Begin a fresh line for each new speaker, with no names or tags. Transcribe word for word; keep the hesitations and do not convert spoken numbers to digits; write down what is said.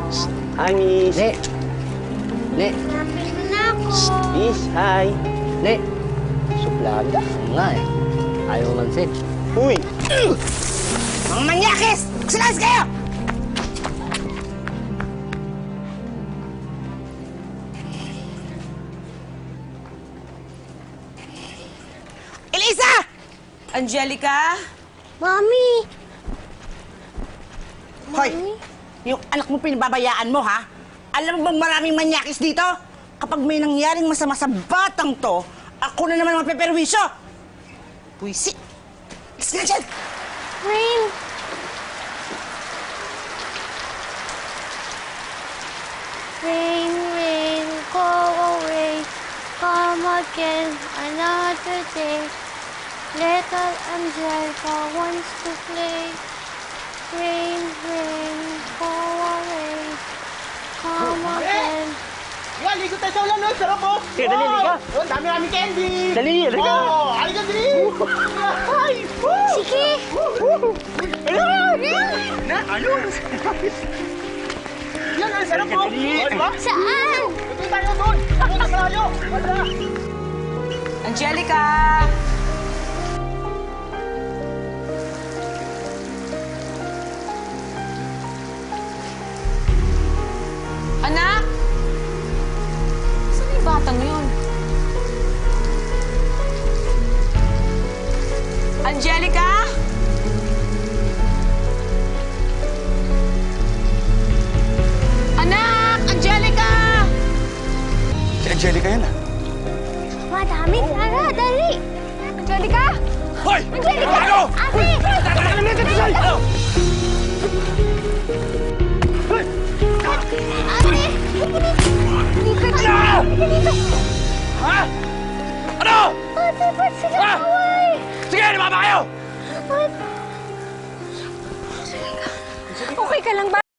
Hi, Miss.
Ne. Ne.
Lapit mo na ako.
Miss, hi.
Ne. Suplaga. Nga eh. Ayaw mansin.
Uy!
Mga manyakis! Magsilas kayo! Elisa! Angelica?
Mami!
Hoy! Yung anak mo pinababayaan mo, ha? Alam mo bang maraming manyakis dito? Kapag may nangyaring masama sa batang to, ako na naman mapeperwisyo! Puisi! Let's go dyan!
Rain! Rain, rain, go away. Come again another day. Little Angelica wants to play. Rain, rain, go away. Come again.
Yan, ligo tayo sa ulan, no? Sarap, oh!
Sige, dali, liga.
Oh, ang dami-dami candy!
Dali, liga.
Oh, halika, dali! Ay! Woo!
Sige!
Na, ano? Yan, ang sarap, oh! Oh, di ba?
Saan?
Ito tayo doon! Ako na tayo! Wala!
Angelica! Anak! Saan yung batang yun? Angelica? Anak! Angelica!
Si Angelica yan, ah.
Madami, Tara, dali!
Angelica!
Hoy!
Angelica!
Ano?
Ate!
Ano na dito sa'yo? Ano?
Ate! Dito, dito! Dito!
Ha? Ano?
Ate, ba't sila
Ha?
away?
Sige, lumaba kayo!
Okay ka lang ba?